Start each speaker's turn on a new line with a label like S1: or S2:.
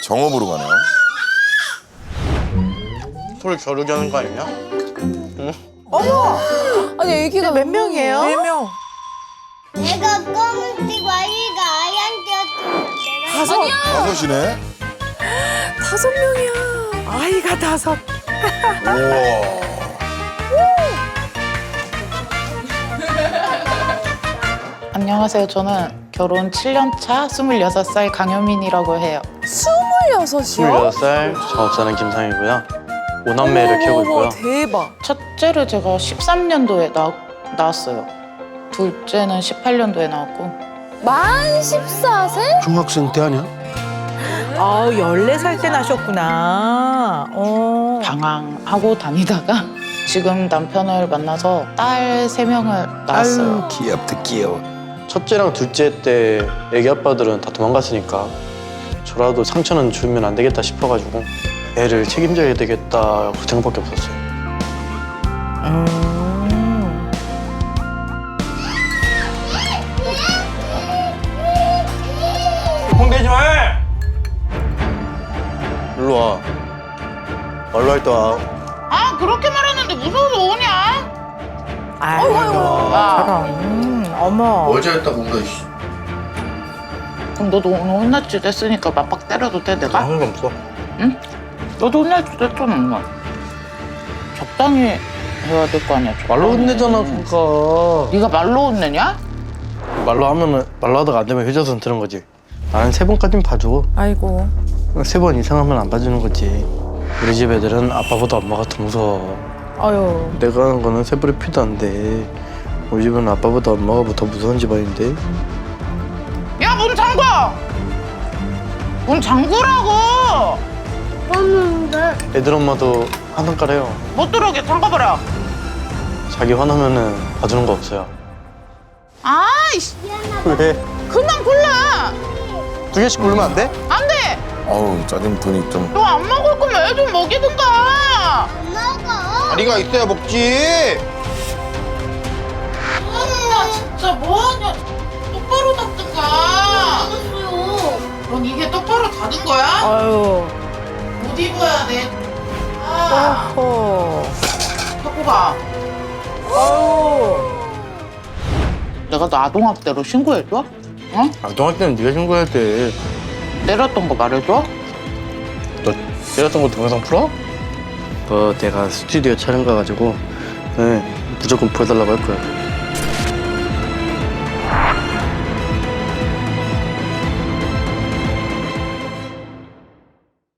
S1: 정읍으로 가네요.
S2: 소리 겨루게 하는 거 아니냐?
S3: 아니 애기가 몇 명이에요?
S4: 4명.
S5: 내가 검은색 와이가 아이한테였는데
S1: 다섯이네.
S4: 5명이야. 아이가 5.
S1: 우와.
S6: 안녕하세요. 저는 결혼 7년 차 26살 강효민이라고 해요.
S3: 26이요?
S2: 26살 작업사는 김상이고요. 5남매를 키우고 있고요.
S3: 대박.
S6: 첫째를 제가 13년도에 낳았어요. 둘째는 18년도에 나왔고.
S3: 만 14세?
S7: 중학생 때 아니야?
S4: 아, 14살 때 나셨구나.
S6: 방황하고 다니다가 지금 남편을 만나서 딸 3명을 낳았어요.
S7: 귀엽다 귀여워.
S2: 첫째랑 둘째 때 애기 아빠들은 다 도망갔으니까 저라도 상처는 주면 안 되겠다 싶어가지고 애를 책임져야 되겠다 그 생각밖에 없었어요. 홍대지 마! 일로 와. 말로 할 때 와.
S6: 아 그렇게 말했는데 무서워서 오냐?
S4: 아이고, 저런. 어머.
S7: 어제 했다고 우리가 이씨.
S6: 그럼 너도 오늘 혼났지 됐으니까 맞박 때려도 돼 내가?
S2: 상관없어.
S6: 너도 혼날지 됐잖아 엄마. 적당히 해야 될 거 아니야. 적당히.
S2: 말로 혼내잖아 그니까.
S6: 네가 말로 혼내냐?
S2: 말로 하면은 말로 하다가 안 되면 효자손 드는 거지. 나는 3번까지는 봐줘.
S4: 아이고.
S2: 3번 이상 하면 안 봐주는 거지. 우리 집 애들은 아빠보다 엄마가 더 무서워.
S4: 아유.
S2: 내가 하는 거는 세불이 피도 안 돼. 우리 집은 아빠보다 엄마가 더 무서운 집안인데.
S6: 야 문 잠궈! 문 잠그라고!
S5: 봤는데
S2: 애들 엄마도 화난가래요.
S6: 못 들어오게 잠궈버려.
S2: 자기 화나면은 봐주는 거 없어요.
S6: 아이씨
S2: 왜?
S6: 그만 골라.
S2: 2개씩 고르면 안 돼?
S6: 안 돼.
S1: 어우 짜증돈이 좀.
S6: 너 안 먹을 거면 애 좀 먹이든가.
S5: 엄마가
S7: 다리가 있어야 먹지.
S6: 엄마 진짜 뭐하냐. 똑바로 닫든가.
S5: 알았어요.
S6: 넌 이게 똑바로 닫은 거야?
S4: 아유.
S6: 못 입어야 돼. 아,
S4: 어허.
S6: 갖고 가.
S4: 아유.
S6: 내가 너 아동학대로 신고해줘? 응?
S2: 아동할 때는 네가 신고해야 돼.
S6: 때렸던 거 말해줘?
S2: 너 때렸던 거 동영상 풀어? 내가 스튜디오 촬영 가가지고 네, 무조건 보여달라고 할 거야.